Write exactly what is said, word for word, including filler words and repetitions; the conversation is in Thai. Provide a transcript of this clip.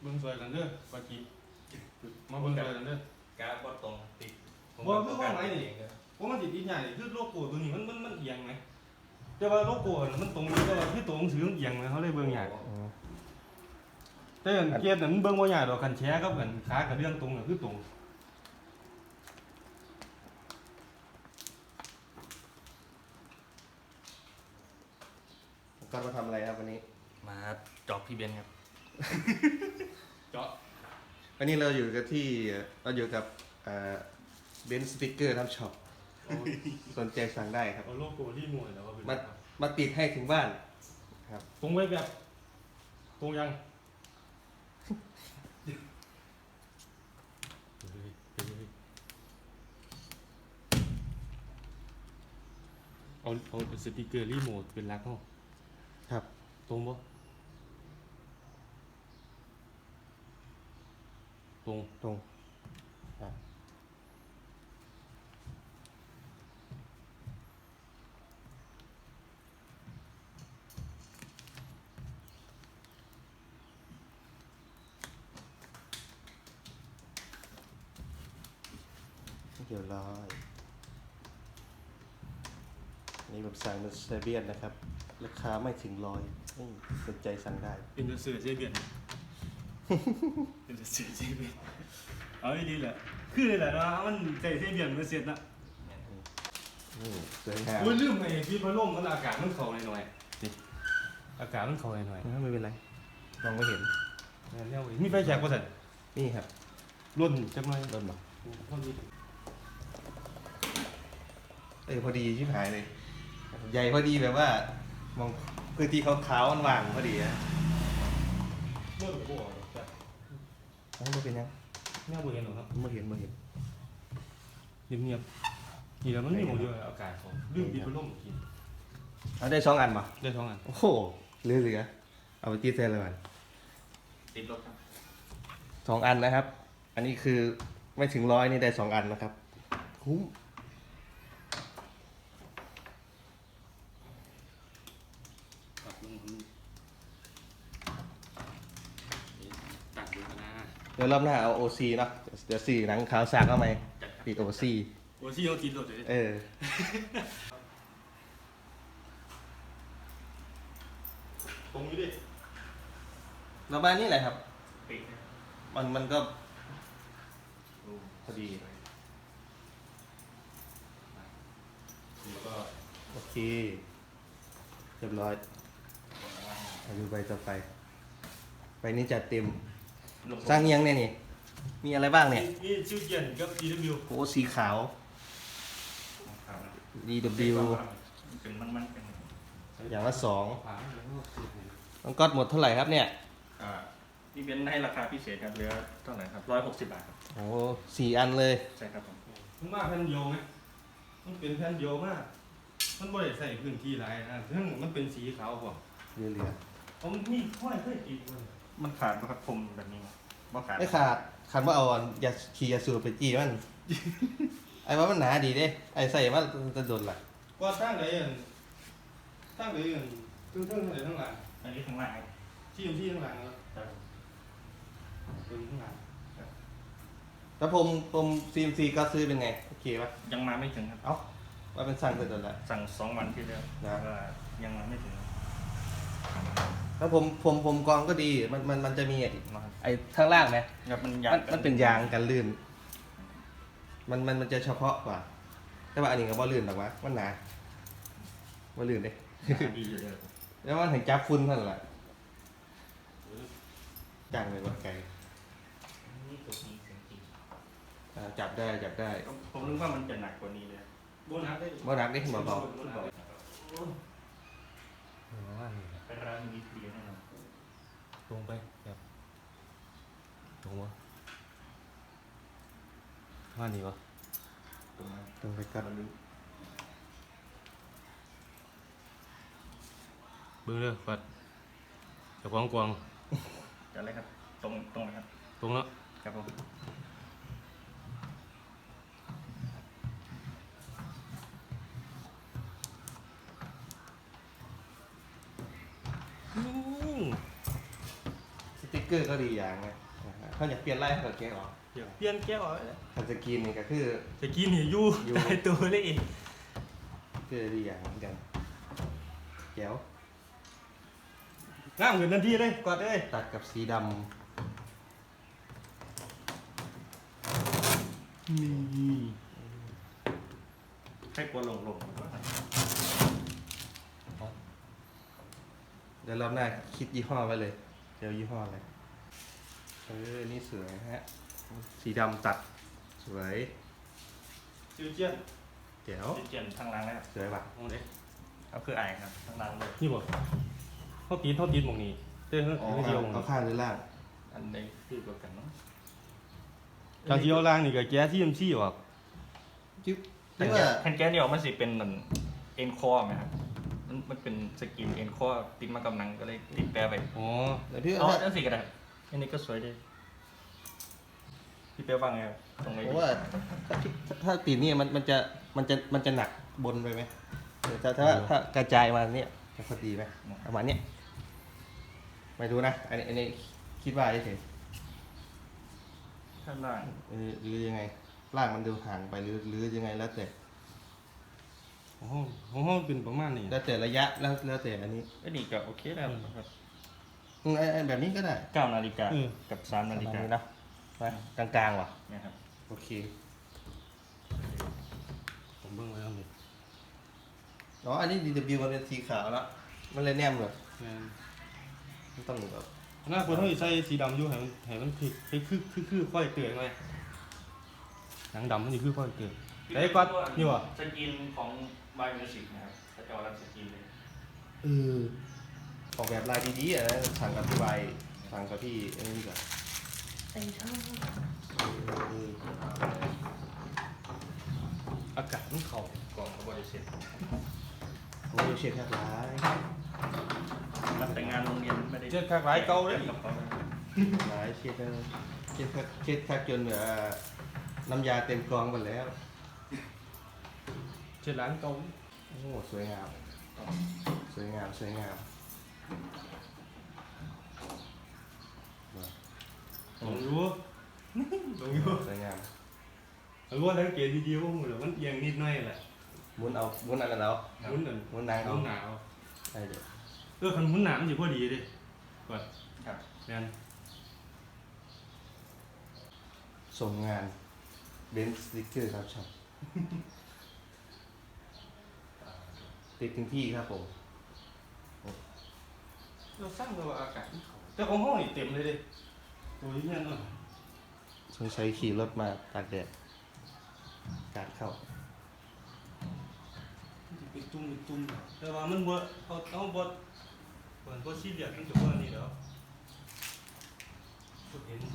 เบิ่งสวยกันเด้อปากีมาเบิ่งสวยกันเด้อกราฟบ่ตรงติดบ่คือว่าไงนี่ผมมันสิติดใหญ่คือโลโก้ตัวนี้มันมันมันเอียงไหมแต่ว่าโลโก้มันตรงแต่ว่าคือตัวหนังสือมันเอียงไหมเขาเลยเบิ่งใหญ่แต่อันเกียร์น่ะมันเบิ่งบ่ใหญ่ดอกคันแชร์กับกันขากับเรื่องตรงน่ะคือตรงก็มาทำอะไรครับวันนี้มาจอบพี่เบนครับเจาะวันนี้เราอยู่กับที่เราอยู่กับเบนซ์สติ๊กเกอร์ทำช็อปสนใจสั่งได้ครับเอาโลโก้ที่มวยแล้วก็เป็นมามาติดให้ถึงบ้านครับตรงไว้แบบตรงยังเอาเอาสติกเกอร์รีโมทเป็นลักเขาครับตรงปะตรงตรงครับเดี๋ยวรอนี่แบบสั่งเป็นเซเบียนนะครับราคาไม่ถึงร้อยสนใจสั่งได้เป็นเสือเซเบียนเป็นเสือเซเบียนเอาดีแหละคือเลยแหละนะมันใจเซเบียนมันเสร็จนะสวยงามโอ้ยลืมไอ้พี่พัดลมมันอากาศมันเข้าหน่อยๆนี่อากาศมันเข้าหน่อยๆไม่เป็นไรมองไม่เห็นเนี่ยมีไฟแช็กป่ะสันนี่ครับรุ่นจังไรรุ่นหรอเออพอดีชิบหายเลยใหญ่พอดีแบบว่ามองพื้นที่ขาวๆมันว่างพอดีนะเมื่อตัวจ้ะไม่เป็นยังไม่เอาเบอร์เห็นหรอครับไม่เห็นไม่เห็นเงียบๆนี่แล้วมันมีหมดเยอะอากาศของลืมปิดพัดลมกินเอาได้สองอันป่ะได้สองอันโอ้โหเหลือเหลือเอาไปตีเซลเลยมันติดรถครับสองอันนะครับอันนี้คือไม่ถึงร้อยนี่ได้สองอันนะครับคุ้มเดี๋ยวรอบหน้าเอา โอ ซี เนาะเดี๋ยวสี่หนังขาวสากเข้ามาติด โอ ซีโอ ซีเขาติดรถเลยเออตรงนี้ดิประมาณนี้แหละครับมันมันก็พอดีแล้วก็โอเคเรียบร้อยมาดูใบต่อไปใบนี้จัดเต็มสร้างยังเนี่ยนี่มีอะไรบ้างเนี่ยนี่ชื่อเกียนกับ ดี ดับเบิลยูโอ้สีขาว ดี ดับเบิลยูเป็นมันมันเป็นอย่างละสองต้องก๊อตหมดเท่าไหร่ครับเนี่ยพี่เบนให้ราคาพิเศษครับเหลือเท่าไหร่ครับร้อยหกสิบบาทครับโอ้สี่อันเลยใช่ครับผมมันมากแผ่นเดียวไหมมันเป็นแผ่นเดียวมากมันไม่ได้ใส่พื้นที่หลายนะซึ่งมันเป็นสีขาวกว่าเหลือเหลือผมมีค่อยค่อยติดเลยมันขาดนะครับผมแบบนี้บ่ขาดไม่ขาดขาดว่าเอายาขี่ยาสูบไปจี้มันไอ้ว่ามันหนาดีเด้ไอ้ใส่ว่าจะโดนหลักว่าตั้งไหนอ่ะตั้งไหนอ่ะตึ้งตึ้งไหนทั้งหลังอันนี้ข้างหลังที่อยู่ที่ข้างหลังแล้วตึ้งข้างหลังแล้วผมผมซีมซีก็ซื้อเป็นไงโอเคปะยังมาไม่ถึงครับเอ้าว่าเป็นสั่งเสร็จแล้วสั่งสองวันที่แล้วนะยังมาไม่ถึงแล้วผมผมผมกองก็ดีมันมันมันจะมีไอ้ข้างล่างไหมมันยางมันเป็นยางกันลื่นมันมันมันจะเฉพาะกว่าแต่ว่าอันนี้ก็บ่ลื่นหรอกวะมันหนาบ่ลื่นเด้แล้วมันถึงจับฝุ่นเท่านั้นแหละจังเลยว่าไก่จับได้จับได้ผมนึกว่ามันจะหนักกว่านี้เลยโบนัสได้โบนัสได้เบาๆเป็นร้านมีเพียแน่นอนตรงไปครับตรงวะว่านี่วะตรงตรงไปกันเบื้องเรือปัดจะกวางกวางจะอะไรครับตรงตรงนะครับตรงแล้วครับผมสติ๊กเกเกอร์ก็ดีอย่างไงนะฮะเขาอยากเปลี่ยนไล่เขาก็แกะออกเดี๋ยวเปลี่ยนแก้วเอาไว้เลยคันสกรีนนี่ก็คือจะกินนี่อยู่อยู่ได้ตัวเลยอีกคือดีอย่างเหมือนกันแก้วงามขึ้นทันทีเลยกอดเลยตัดกับสีดนี่ให้กลัวหลงหลงำเดี๋ยวรอบหน้าคิดยี่ห้อไว้เลยเดี๋ยวยี่ห้ออะไรเออนี่สวยฮะสีดำตัดสวยจิวเจียนแก้วเจียนทางล่างนะครับสวยป่ะมองเด็กเอาคือไอครับทางล่างเลยนี่บ่เขาตีนเขาตีนหมองนี้เต้เขาอ๋อไม่เดียวหมองเอานี้ข้างหรือล่างอันนี้คือตัวกันเนาะจากที่เอาล่างนี่ก็แก้ที่เอ็มซีออกจิ๊บแผ่นี่นว่าแก้แผ่นแก้เดียวมันสิเป็นเหมือนเอ็นคอร์ไหมครับมันมันเป็นสกินเอ็นคอร์ติดมากับหนังก็เลยติดแปรไปอ๋อเดี๋ยวพี่อ๋อว่านั่นสิก็ได้อันนี้ก็สวยดีพี่เปียวฟังไงครับตรงไหนเพดีราะว่าถ้าถ้าตีนนี่มันมันจะมันจะมันจะหนักบนไปไหมเออถ้าถ้าถ้ากระจายมาเนี่ยจะพอดีไหมประมาณเนี้ยไม่รู้นะอันนี้อันนี้คิดว่าเฉยข้างล่างๆเออหรือยังไงล่างมันดูห่างไปหรือหรือยังไงแล้วแต่ของห้องของห้องเป็นประมาณนี้แล้วแต่ระยะแล้วแล้วแต่อันนี้ก็นี่ก็โอเคแล้วครับอืมไอ้ไอ้แบบนี้ก็ได้เก้านาฬิกากับสามประนาฬิมาณกานี้นะไปกลางๆว่ะเนี่ยครับโอเคผมเบิ่งไว้แล้วนี่อ๋ออันนี้ ดี ดับเบิลยู มันเป็นสีขาวแล้วมันเลยแนมเลยแม่นมันต้องแบบหน้าคนเขาสิใส่สีดำอยู่ให้มันให้มันคือคือคือคือคือค่อยเกิดไงหนังดำมันนี่คือค่อยเกิดแต่ไอ้ก๊อตนี่วะสกินของบายมิวสิกนะครับถ้าจะเอารับสกินเลยเออออกแบบลายดีๆอ่ะนะสั่งกับพี่ใบสั่งกับพี่ไอ้นี่ดีกว่าไอ้ช่างเอออากาศมันเข้ากล่องกับบริษัทโอ้ยเชฟแทบร้ายมันแต่งงานโรงเรียนไม่ได้เจ็ดคากหลายเก่าเลยกับเขาร้ายเชฟแทบเชฟแทบเชฟแทบจนแบบว่าน้ำยาเต็มกรองหมดแล้วเจ็ดล้านเก่าโอ้สวยงามสวยงามสวยงามลงอยู่ลงอยู่สวยงามรู้ว่าสังเกตดีๆว่ามันมันเอียงนิดหน่อยแหละหมุนเอาหมุนอะไรแล้วหมุนนั่นหมุนนางหเอามุนหนาวได้เดี๋ยวเออคันหมุนหนาวมันสิพอดีเดิก่อนครับแม่นส่งงานเบนซ์สติ๊กเกอร์ครับช่างติดถึงที่ครับผมเราสร้างตัวอากาศมันเข้าแต่ของห้องนี่เต็มเลยเดิตัวนี้เนี่ยเนาะสงสัยขี่รถมาตากแดดการเข้าเป็นตุ้มเป็นตุ้มแต่ว่ามันบ่เขาเขาบ่เหมือนบ่ซีเรียสมันจะบ่นี่แล้วเห็น